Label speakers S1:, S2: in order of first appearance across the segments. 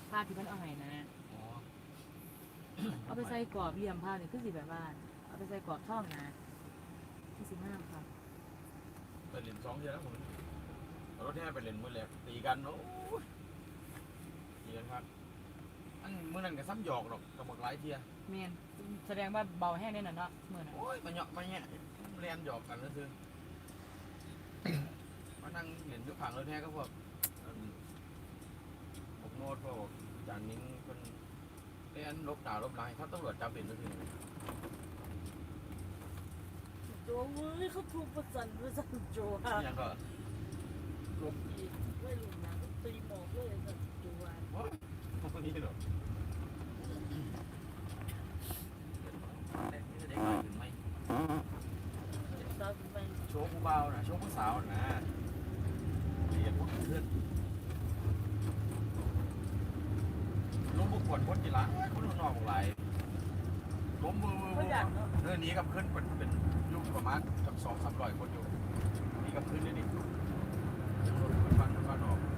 S1: ผ้าที่มันเอาให้นะ
S2: อ๋อ
S1: เอาไปใส่กรอบเหลี่ยมผ้าเนี่ยคือสิแบบว่าเอาไปใส่กรอบท่องนะที่สิงามครับ
S2: ไปเล่น2 เดือนแล้วผมเอารถแห่ไปเล่นมื้อแรกตีกันโอ้ยตีกันครับอันมื้อนั้นก็ซ้ำหยอกดอกกับบักหลายเที่ย
S1: เมียนแสดงว่าเบาแห้งแน่นอนเนาะเมื่อน่ะ
S2: โอ้ยมาเหยาะมาแง่เรียนหยอกกันก็คือมานั่งเล่นอยู่ข้างรถแห่ก็พวกพวกโน้ตพวกจานนิ้งเพิ่นเรียนลบหน้าลบหลังให้เขาตำรวจจับเป็นก็คือ
S3: โจเว้ยเขาถูกประจันโจ
S2: ยังก็ลบ
S3: อีกไม่หลุดนะก็ตีหมอกเลยสันโจว
S2: โอ้ยพวกนี้หรอเด็กนี่จะได้กลายเป็นไหม
S3: ตาไป
S2: โชว์ผู้เบานะโชว์ผู้สาวนะเรียนพวกเพื่อนล้มบุกกดคนกีฬาคนนอกหลายล้มมือ
S3: เขาอยากเนาะ
S2: เรื่องนี้กับขึ้นเป็นยุคประมาณกับ200-300 คนอยู่นี่กับขึ้นเลยนี่ฟันออก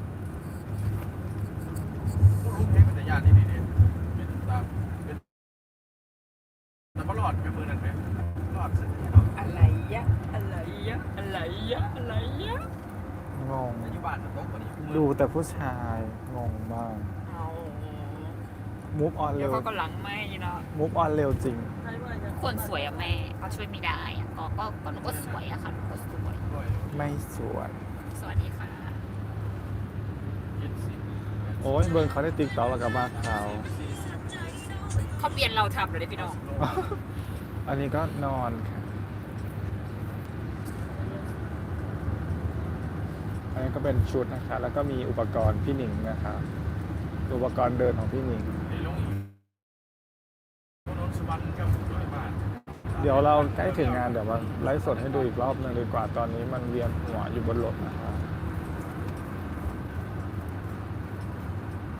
S2: ผู้รู้เพลงเป็นแต่ญาตินี่นี่เป็นตามเป็นแต่พอรอดเป็นมือนั่นไหมรอดสิเนาะ
S1: อะไรยะอะไรยะอะไรยะอะไรยะ
S4: งง
S2: อายุบ้านจะตกกว่านี้
S4: ดูแต่ผู้ชาย งงมาก
S1: เอา
S4: มูฟออน
S1: เดี๋
S4: เร็
S1: ยว
S4: ว
S1: เขาก็หลังไม่เนาะ
S4: มูฟออนเร็วจริง
S3: ใครว่าจะ
S5: คนสวยอะแม่ก็ช่วยไม่ได้อะก็หนูก็สวยอะค่ะหนูก็สวย
S2: ด้วย
S4: ไม่สวย
S5: สวัสดีค่ะ
S4: โอ้ยเบิร์นเขาได้ติ๊กต็อกแล้วกับบ้านเขา
S5: เขาเปลี่ยนเราทำเลยพี่น้อง
S4: อันนี้ก็นอนค่ะ อันนี้ก็เป็นชุดนะคะ แล้วก็มีอุปกรณ์พี่หนิงนะคะอุปกรณ์เดินของพี่หนิง
S2: ในลงอีกโนนสุวรรณกับด้วยบ้าน
S4: เดี๋ยวเราใกล้ถึงงานเดี๋ยวมาไลฟ์สดให้ดูอีกรอบหนึงดีกว่าตอนนี้มันเวียนหัวอยู่บนรถนะคะ